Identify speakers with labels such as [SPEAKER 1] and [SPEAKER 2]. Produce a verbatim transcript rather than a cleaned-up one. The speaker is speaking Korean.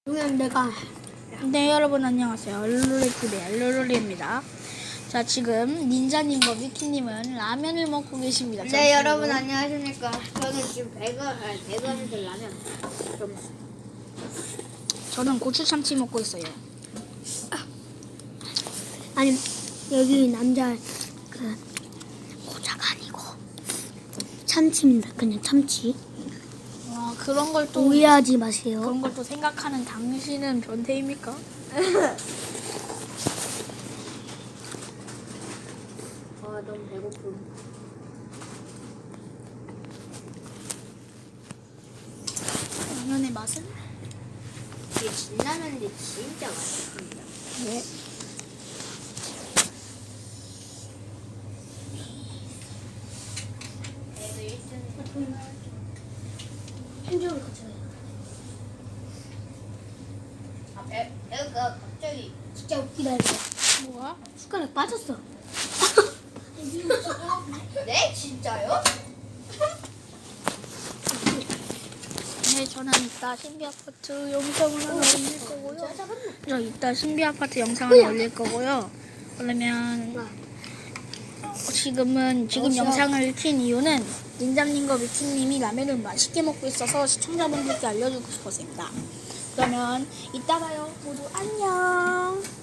[SPEAKER 1] 그냥 내가
[SPEAKER 2] 네, 여러분 안녕하세요. 룰루레티의 룰루리입니다. 자, 지금 닌자님과 미키님은 라면을 먹고 계십니다.
[SPEAKER 1] 네
[SPEAKER 2] 잠시만요.
[SPEAKER 1] 여러분 안녕하십니까. 저는 지금 배가 아, 배가에서 라면 좀
[SPEAKER 2] 저는 고추 참치 먹고 있어요.
[SPEAKER 1] 아니 여기 남자 그 고자가 아니고 참치입니다. 그냥 참치.
[SPEAKER 2] 와, 그런 걸 또
[SPEAKER 1] 오해하지 마세요.
[SPEAKER 2] 그런 걸 또 생각하는 당신은 변태입니까?
[SPEAKER 1] 아 너무 배고픔.
[SPEAKER 2] 라면의 맛은?
[SPEAKER 1] 이게 진라면인데 진짜 맛있습니다.
[SPEAKER 2] 네.
[SPEAKER 1] 그래도 일등 한쪽으로 가져가요. 아 배, 배가 갑자기 진짜 웃기다 이거.
[SPEAKER 2] 뭐야?
[SPEAKER 1] 숟가락 빠졌어. 네? 진짜요?
[SPEAKER 2] 네, 저는 이따 신비 아파트 영상을 하나 올릴 거고요. 저 이따 신비 아파트 영상을 올릴 거고요. 그러면 어, 지금은 지금
[SPEAKER 1] 어서.
[SPEAKER 2] 영상을 킨 이유는 닌자님과 미키님이 라면을 맛있게 먹고 있어서 시청자분들께 알려주고 싶었습니다. 그러면 이따 봐요. 모두 안녕.